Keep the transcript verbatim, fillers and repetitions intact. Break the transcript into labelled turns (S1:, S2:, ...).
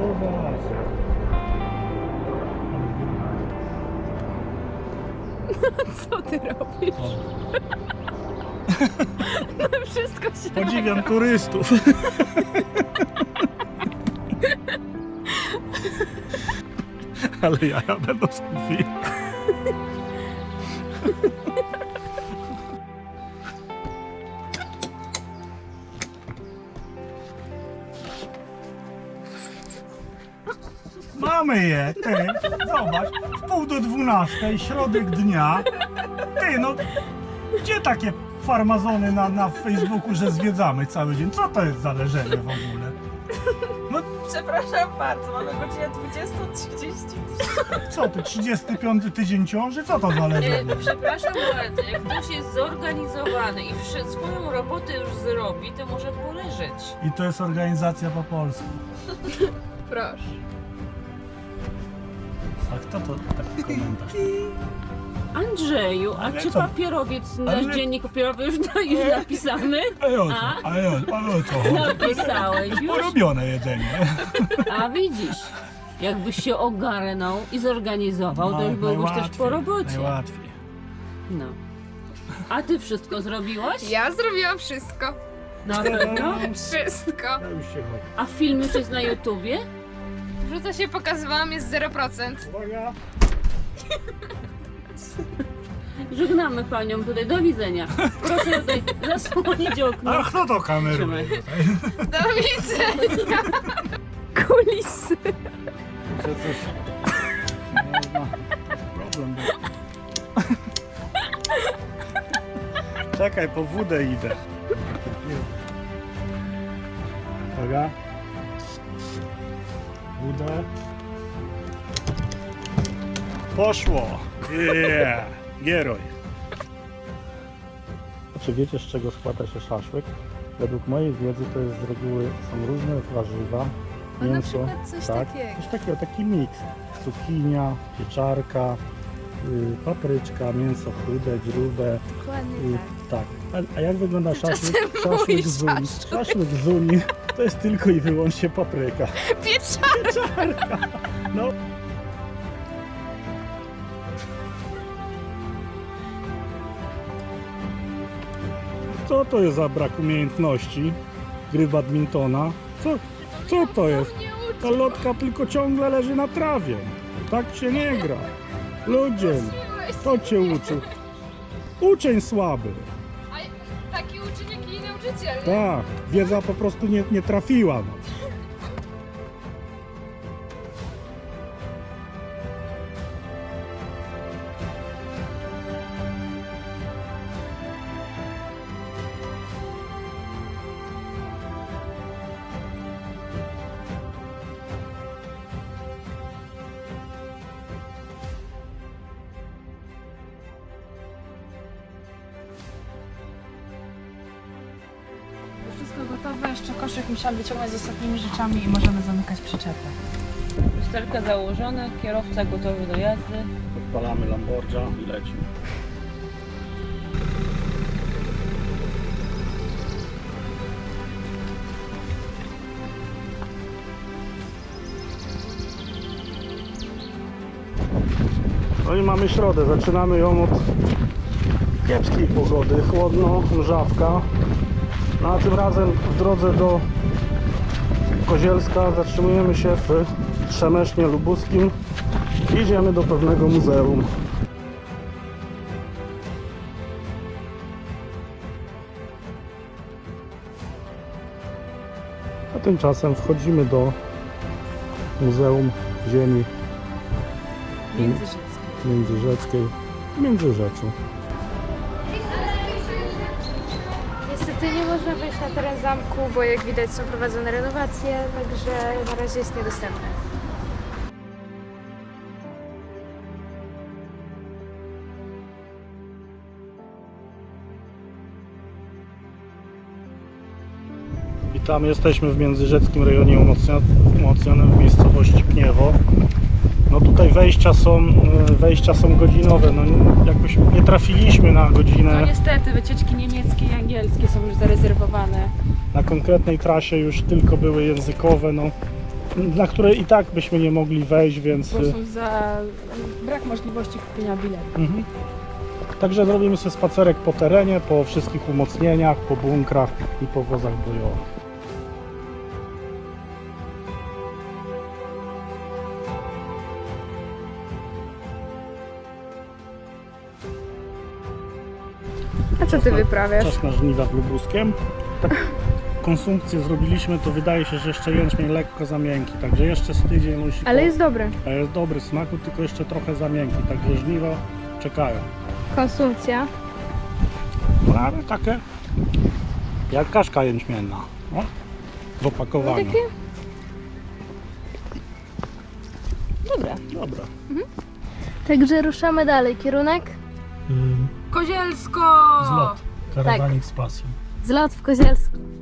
S1: Co ty robisz? No wszystko się...
S2: Podziwiam turystów. Ale ja będę z tym film. Mamy je, ty, zobacz, w pół do dwunastej, środek dnia. Ty, no, gdzie takie farmazony na, na Facebooku, że zwiedzamy cały dzień? Co to jest za leżenie w ogóle? No,
S1: Przepraszam bardzo, mamy godzinę dwudziestą trzydzieści.
S2: co ty, trzydziesty piąty tydzień ciąży? Co to za leżenie?
S3: E, przepraszam bardzo, jak ktoś jest zorganizowany i wszy- swoją robotę już zrobi, to może poleżeć.
S2: I to jest organizacja po polsku.
S1: Proszę.
S2: A kto to taki komentarz?
S3: Andrzeju, a
S2: Ale
S3: czy
S2: co?
S3: papierowiec,
S2: Ale-
S3: nasz dziennik papierowy już, już napisany?
S2: A ja o co?
S3: A?
S2: A ja, a ja o co?
S3: Napisałeś już?
S2: Porobione jedzenie.
S3: A widzisz, jakbyś się ogarnął i zorganizował, to już byłbyś też po robocie.
S2: Najłatwiej.
S3: No. A ty wszystko zrobiłaś?
S1: Ja zrobiłam wszystko.
S3: Na pewno?
S1: Wszystko.
S2: Ja już się chodzę.
S3: A film już jest na YouTubie?
S1: Wrzuca się pokazywałam, jest zero procent.
S2: Uwaga.
S3: Żegnamy panią tutaj, do widzenia. Proszę tutaj zasłonić okno.
S2: A kto to kameruje
S3: Trzymaj.
S2: tutaj?
S1: Do widzenia. Kulisy.
S2: Że coś... Można... Problem był. Czekaj, po wódę idę. Uwaga. Wódę. Poszło! Yeah! Gieroj! Czy wiecie, z czego składa się szaszłyk? Według mojej wiedzy to jest z reguły są różne warzywa,
S1: No na
S2: mięso,
S1: przykład coś
S2: tak?
S1: takiego.
S2: Coś takiego, taki miks. Cukinia, pieczarka, y, papryczka, mięso chude, grube.
S1: Dokładnie
S2: Y,
S1: tak.
S2: tak. A, a jak wygląda szaszłyk?
S1: Tymczasem
S2: Szaszłyk
S1: mój
S2: z Unii.
S1: szaszłyk.
S2: Szaszłyk z Unii to jest tylko i wyłącznie papryka.
S1: Pieczarka.
S2: No. Co to jest za brak umiejętności gry badmintona? Co, co to jest? Ta lotka tylko ciągle leży na trawie. Tak się nie gra. Ludzie, kto cię uczył? Uczeń słaby.
S1: A taki uczeń, jak i nauczyciel.
S2: Tak, wiedza po prostu nie, nie trafiła. No.
S4: Wszystko gotowe, jeszcze koszyk musiałam wyciągnąć z ostatnimi rzeczami i możemy zamykać przyczepę.
S3: Lusterka założone, kierowca gotowy do jazdy.
S2: Odpalamy Lamborgia i lecimy. No i mamy środę, zaczynamy ją od kiepskiej pogody, chłodno, mrzawka. No a tym razem w drodze do Kozielska zatrzymujemy się w Trzemesznie Lubuskim. Idziemy do pewnego muzeum. A tymczasem wchodzimy do Muzeum Ziemi
S4: Międzyrzeckie.
S2: Międzyrzeckiej w Międzyrzeczu.
S1: Niestety nie można wejść na teren zamku, bo jak widać są prowadzone renowacje, także na razie jest niedostępne.
S2: I tam jesteśmy w międzyrzeckim rejonie umocnionym w miejscowości Pniewo. No tutaj wejścia są, wejścia są godzinowe, no jakoś nie trafiliśmy na
S4: No
S2: godzinę.
S4: niestety, wycieczki niemieckie i angielskie są już zarezerwowane.
S2: Na konkretnej trasie już tylko były językowe, no na które i tak byśmy nie mogli wejść, więc...
S4: Po prostu za brak możliwości kupienia biletu.
S2: Mhm. Także zrobimy sobie spacerek po terenie, po wszystkich umocnieniach, po bunkrach i po wozach bojowych.
S1: A co ty wyprawiasz?
S2: Czas na żniwa w Lubuskiem. Tak konsumpcję zrobiliśmy, to wydaje się, że jeszcze jęczmień lekko za miękki, także jeszcze z tydzień musi...
S1: Ale
S2: po-
S1: jest dobre.
S2: A jest dobry smaku, tylko jeszcze trochę za miękki, także żniwa czekają.
S1: Konsumpcja.
S2: No ale takie jak kaszka jęczmienna. O, w
S1: No
S2: opakowaniu.
S1: takie... Dobra.
S2: Dobra.
S1: Także ruszamy dalej. Kierunek?
S4: Kozielsko!
S2: Zlot. Karawanik z pasją.
S1: Zlot w Kozielsku.